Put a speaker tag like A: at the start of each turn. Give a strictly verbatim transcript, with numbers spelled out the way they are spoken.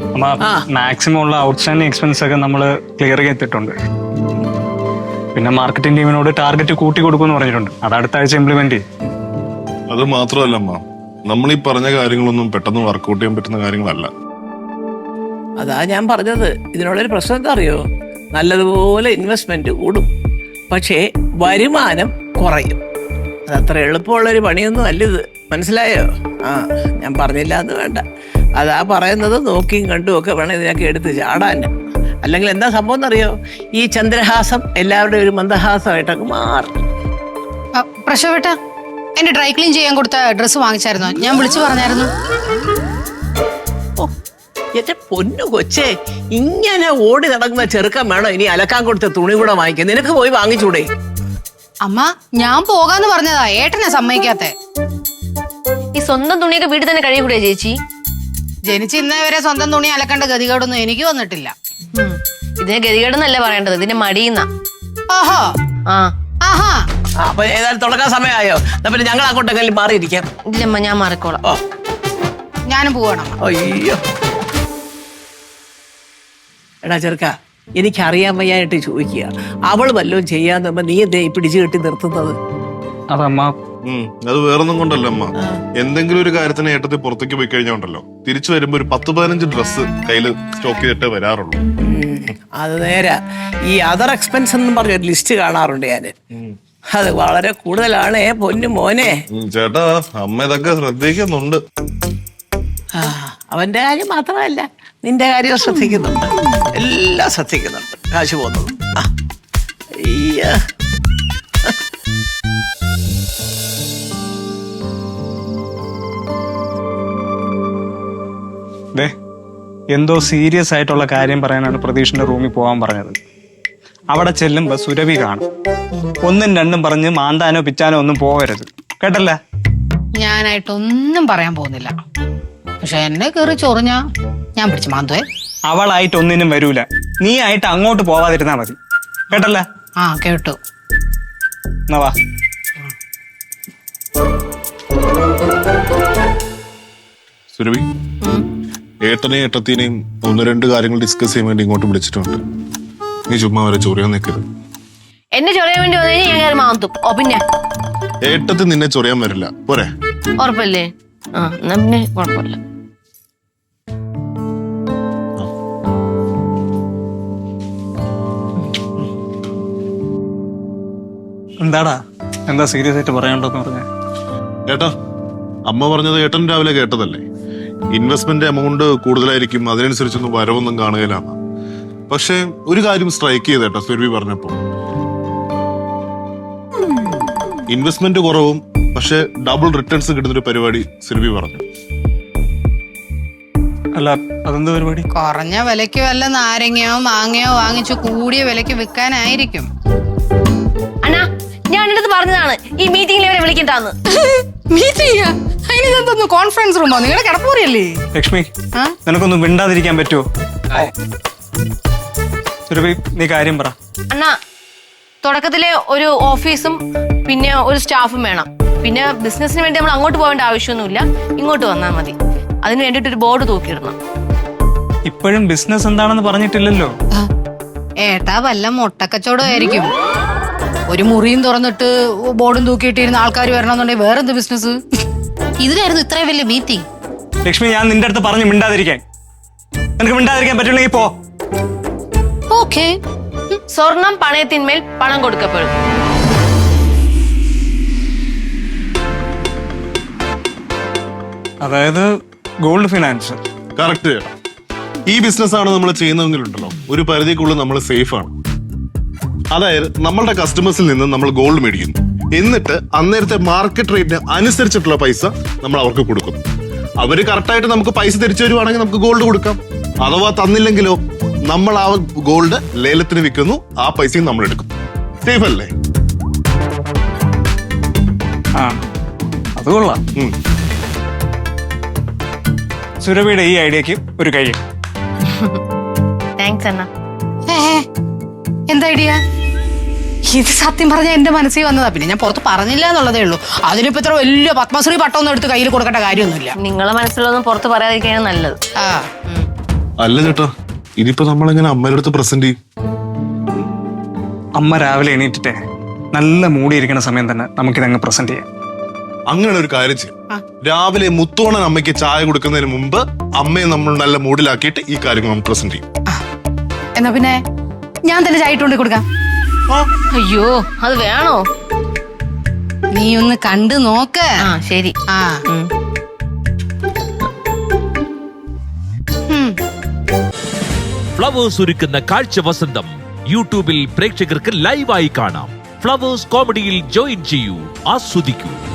A: Maximum ഉള്ള outstanding expense ഒക്കെ നമ്മൾ ക്ലിയർ ചെയ്തിട്ടുണ്ട്. പിന്നെ മാർക്കറ്റിംഗ് ടീമിനോട് ടാർഗറ്റ് കൂട്ടി കൊടുക്കുമെന്ന് പറഞ്ഞിട്ടുണ്ട്. അത് അടുത്ത ആഴ്ച ഇംപ്ലിമെന്റ് ചെയ്യും.
B: അത് മാത്രമല്ല അമ്മ, നമ്മൾ ഈ പറഞ്ഞ കാര്യങ്ങളൊന്നും പെട്ടെന്ന് വർക്ക്ഔട്ട് ചെയ്യാൻ പറ്റുന്ന കാര്യങ്ങളല്ല.
C: അതാ ഞാൻ പറഞ്ഞത്, ഇതിനുള്ളൊരു പ്രശ്നം എന്താ അറിയോ, നല്ലതുപോലെ ഇൻവെസ്റ്റ്മെന്റ് കൂടും, പക്ഷേ വരുമാനം കുറയും. അതത്ര എളുപ്പമുള്ളൊരു പണിയൊന്നും അല്ല ഇത്, മനസ്സിലായോ? ആ ഞാൻ പറഞ്ഞില്ല എന്ന് വേണ്ട. അതാ പറയുന്നത്, നോക്കിയും കണ്ടും ഒക്കെ വേണം ഇതിനൊക്കെ എടുത്ത് ചാടാൻ. അല്ലെങ്കിൽ എന്താ സംഭവം എന്നറിയോ, ഈ ചന്ദ്രഹാസം എല്ലാവരുടെയും ഒരു മന്ദഹാസമായിട്ടൊക്കെ മാറും.
D: പ്രശോഭേട്ട, എന്റെ ഡ്രൈ ക്ലീൻ ചെയ്യാൻ കൊടുത്ത ഡ്രസ്സ് വാങ്ങിച്ചായിരുന്നോ? ഞാൻ വിളിച്ചു പറഞ്ഞായിരുന്നു.
C: എന്റെ പൊന്നു കൊച്ചേ, ഇങ്ങനെ ഓടി നടക്കുന്ന ചെറുക്കൻ വേണോ ഇനി അലക്കാൻ കൊടുത്ത തുണി കൂടെ വാങ്ങിക്കാൻ? നിനക്ക് പോയി വാങ്ങിച്ചൂടെ?
D: അമ്മ, ഞാൻ പോകാന്ന് പറഞ്ഞതാ, ഏട്ടനെ സമ്മതിക്കാത്തെ.
E: ഈ സ്വന്തം തുണിയൊക്കെ വീട്ടിൽ തന്നെ കഴിയൂടെ ചേച്ചി?
D: ജനിച്ച് ഇന്നേ വരെ സ്വന്തം തുണി അലക്കേണ്ട ഗതികേടൊന്നും എനിക്ക് വന്നിട്ടില്ല.
E: ഇതിനെ ഗതികേടെന്നല്ല പറയേണ്ടത്, ഇതിന്റെ മടിയുന്ന.
D: ഓഹോ,
E: ആ
D: ആഹാ.
C: അപ്പൊ ഏതായാലും തുടക്കാൻ സമയമായോ? പിന്നെ ഞങ്ങൾ അങ്ങോട്ടെങ്കിലും മാറിയിരിക്കാം.
E: ഇല്ലമ്മ, ഞാൻ മാറിക്കോളാം.
C: ഓ,
D: ഞാനും പോവാണ്.
C: അയ്യോ എടാ ചെറുക്ക, എനിക്കറിയാൻ വയ്യായിട്ട് ചോദിക്കുക, അവൾ വല്ലതും ചെയ്യാന്ന് നീ എന്തേ പിടിച്ചു കെട്ടി നിർത്തുന്നത്?
A: അതമ്മ,
B: അത് വേറൊന്നും കൊണ്ടല്ല അമ്മ. എന്തെങ്കിലും ഒരു കാര്യത്തിന് ഏട്ടത്തിൽ പുറത്തേക്ക് പോയി കഴിഞ്ഞോണ്ടല്ലോ, തിരിച്ചു വരുമ്പോ ഒരു പത്ത് പതിനഞ്ച് ഡ്രസ്സ് കയ്യിൽ സ്റ്റോക്ക് ചെയ്തിട്ടേ വരാറുള്ളൂ.
C: അത് നേരാ. ഈ അതർ എക്സ്പെൻസ് എന്നും പറഞ്ഞ ഒരു ലിസ്റ്റ് കാണാറുണ്ട് ഞാന്. അത് വളരെ കൂടുതലാണേ പൊന്നു മോനെ.
B: ചേട്ടാ, അമ്മ ഇതൊക്കെ ശ്രദ്ധിക്കുന്നുണ്ട്.
C: അവന്റെ കാര്യം മാത്രമല്ല, നിന്റെ കാര്യം ശ്രദ്ധിക്കുന്നുണ്ട്, എല്ലാം ശ്രദ്ധിക്കുന്നുണ്ട്. കാശ് പോകുന്നത്
A: എന്തോ സീരിയസ് ആയിട്ടുള്ള കാര്യം പറയാനാണ് പ്രതീഷിന്റെ റൂമിൽ പോകാൻ പറഞ്ഞത്. അവിടെ ചെല്ലുമ്പോ സുരഭി കാണും. ഒന്നും രണ്ടും പറഞ്ഞ് മാന്താനോ പിച്ചാനോ ഒന്നും പോകരുത്, കേട്ടല്ല?
D: ഞാനായിട്ടൊന്നും പറയാൻ പോകുന്നില്ല, പക്ഷെ എന്നെ കയറി ചൊറിഞ്ഞാ ഞാൻ പിടിച്ചു മാന്തുവേ.
A: അവളായിട്ട് ഒന്നിനും വരൂല, നീ ആയിട്ട് അങ്ങോട്ട് പോവാതിരുന്നാ മതി, കേട്ടല്ല?
D: ആ കേട്ടു.
A: എന്നാ വാ.
B: സുരഭി, ഏട്ടനെയും ഏട്ടത്തിനെയും ഒന്ന് രണ്ട് കാര്യങ്ങൾ ഡിസ്കസ് ചെയ്യാൻ വേണ്ടി ഇങ്ങോട്ട് വിളിച്ചിട്ടുണ്ട്. നീ ചുമ്മാ വരെ ചൊറിയാൻ നിൽക്കരുത്.
E: എന്നെ ചൊറിയാൻ വേണ്ടി വന്നു കഴിഞ്ഞാൽ ഞാൻ കയറി മാന്തും. ഓ പിന്നെ
B: ഏട്ടത്തിൽ നിന്നെ ചൊറിയാൻ വരില്ല, പോരെ?
E: ഉറപ്പല്ലേ? ആ എന്നാ പിന്നെ കുഴപ്പമില്ല.
A: എന്താടാ, എന്താ സീരിയസ് ആയിട്ട് പറയാനുണ്ടെന്ന് പറഞ്ഞേ?
B: ഏട്ടാ, അമ്മ പറഞ്ഞത് ഏട്ടൻ രാവിലെ കേട്ടതല്ലേ? ഇൻവെസ്റ്റ്മെന്റ് എമൗണ്ട് കൂടുതലായിരിക്കും, അതിനനുസരിച്ചൊന്നും വരവൊന്നും കാണുകയിലാണ്. പക്ഷെ ഒരു കാര്യം സ്ട്രൈക്ക് ചെയ്തേട്ടാ സുരഭി പറഞ്ഞപ്പോ, ഇൻവെസ്റ്റ്മെന്റ് കുറവും പക്ഷെ ഡബിൾ റിട്ടേൺസ് കിട്ടുന്നൊരു പരിപാടി സുരഭി പറഞ്ഞു.
A: അല്ല, അതെന്ത് പരിപാടി?
D: കുറഞ്ഞ വിലയ്ക്ക് വല്ല നാരങ്ങയോ മാങ്ങയോ വാങ്ങിച്ചു കൂടിയ വിലയ്ക്ക് വിൽക്കാനായിരിക്കും.
E: അണ്ണാ, ഞാൻ എന്റെ അടുത്ത് പറഞ്ഞതാണ് ഈ മീറ്റിംഗിൽ ഇവരെ വിളിക്കണ്ടാന്ന്.
D: കോൺഫറൻസ് റൂമോ? നിങ്ങളുടെ കിടപ്പൂരിയല്ലേ?
A: ലക്ഷ്മി, നിനക്കൊന്നും മിണ്ടാതിരിക്കാൻ പറ്റുമോ? സുരഭി, നീ കാര്യം പറ.
E: അണ്ണാ, തുടക്കത്തിലെ ഒരു ഓഫീസും പിന്നെ ഒരു സ്റ്റാഫും വേണം. പിന്നെ ബിസിനസിന് വേണ്ടി നമ്മൾ അങ്ങോട്ട് പോകേണ്ട ആവശ്യമൊന്നുമില്ല, ഇങ്ങോട്ട് വന്നാൽ മതി. അതിന് വേണ്ടിട്ട് ഒരു ബോർഡ് തൂക്കിയിടണം.
A: ഇപ്പോഴും ബിസിനസ് എന്താണെന്ന് പറഞ്ഞിട്ടില്ലല്ലോ.
D: ഏട്ടാ, വല്ല മുട്ടക്കച്ചവടമായിരിക്കും. ഒരു മുറിയും തുറന്നിട്ട് ബോർഡും തൂക്കിയിട്ടിരുന്ന ആൾക്കാർ വരണമെന്നുണ്ടെങ്കിൽ വേറെന്ത് ബിസിനസ്? ഇതിലായിരുന്നു ഇത്രയും വലിയ മീറ്റിംഗ്.
A: ലക്ഷ്മി, ഞാൻ നിന്റെ അടുത്ത് പറഞ്ഞു മിണ്ടാതിരിക്കാൻ. നിനക്ക് മിണ്ടാതിരിക്കാൻ പറ്റില്ലെങ്കിൽ പോ.
D: ഓക്കേ.
E: സ്വർണം പണയത്തിന്മേൽ പണം കൊടുക്കപ്പെടും.
A: അതായത് ഗോൾഡ് ഫിനാൻസ്.
B: കറക്റ്റ്. ഈ ബിസിനസ് ആണ് നമ്മൾ ചെയ്യുന്നതെങ്കിലുണ്ടല്ലോ, ഒരു പരിധിക്കുള്ളിൽ നമ്മൾ സേഫ് ആണ്. അതായത് നമ്മളുടെ കസ്റ്റമേഴ്സിൽ നിന്ന് നമ്മൾ ഗോൾഡ് മേടിക്കുന്നു, എന്നിട്ട് അന്നേരത്തെ മാർക്കറ്റ് റേറ്റിന് അനുസരിച്ചിട്ടുള്ള പൈസ നമ്മൾ അവർക്ക് കൊടുക്കുന്നു. അവര് കറക്റ്റായിട്ട് നമുക്ക് പൈസ തിരിച്ചു വരുവാണെങ്കിൽ നമുക്ക് ഗോൾഡ് കൊടുക്കാം. അഥവാ തന്നില്ലെങ്കിലോ നമ്മൾ ആ ഗോൾഡ് ലേലത്തിന് വിൽക്കുന്നു, ആ പൈസയും നമ്മൾ എടുക്കുന്നു. സേഫ് അല്ലേ?
A: ആ, അത് കൊള്ളാം. സുരഭിയുടെ ഈ ഐഡിയക്ക് ഒരു കൈ.
E: താങ്ക്സ് അണ്ണാ.
D: എന്താ ഐഡിയ? ഇത് സത്യം പറഞ്ഞാൽ എന്റെ മനസ്സിൽ വന്നതാ, പിന്നെ ഞാൻ പുറത്ത് പറഞ്ഞില്ല എന്നുള്ളതേ ഉള്ളൂ. അതിനിപ്പോ ഇത്ര വലിയ പത്മശ്രീ പട്ടമൊന്നും എടുത്ത് കയ്യിൽ കൊടുക്കേണ്ട കാര്യമൊന്നുമില്ല.
E: നിങ്ങളെ മനസ്സിലൊന്നും പുറത്ത് പറയാതിരിക്കാനാണ് നല്ലത്.
D: ആ
B: അല്ല ചേട്ടാ, ഇതിപ്പോ നമ്മളെങ്ങനെ അമ്മയുടെ അടുത്ത് പ്രസന്റ് ചെയ്യും?
A: അമ്മ രാവിലെ എണീറ്റിട്ടേ നല്ല മൂടിയിരിക്കുന്ന സമയം തന്നെ നമുക്കിതങ്ങ് പ്രസന്റ് ചെയ്യാം.
B: അങ്ങനെ ഒരു കാര്യം ചെയ്യും. രാവിലെ മുത്തോണൻ അമ്മയ്ക്ക് ചായ കൊടുക്കുന്നതിന് മുമ്പ് അമ്മയെ നമ്മൾ നല്ല മൂഡിലാക്കിയിട്ട് ഈ കാര്യങ്ങൾ നമ്മൾ പ്രസന്റ് ചെയ്യും.
D: എന്നാ പിന്നെ ഞാൻ തന്നെ ചായ ഇട്ടുകൊണ്ട് കൊടുക്കാം.
E: അയ്യോ അത് വേണോ?
D: നീ ഒന്ന് കണ്ടു നോക്ക്.
E: ആ ശരി.
D: ആ
E: ഉം.
D: ഉം.
F: ഫ്ലവേഴ്സ് ഒരുക്കുന്ന കാഴ്ച വസന്തം യൂട്യൂബിൽ പ്രേക്ഷകർക്ക് ലൈവായി കാണാം. ഫ്ലവേഴ്സ് കോമഡിയിൽ ജോയിൻ ചെയ്യൂ, ആസ്വദിക്കൂ.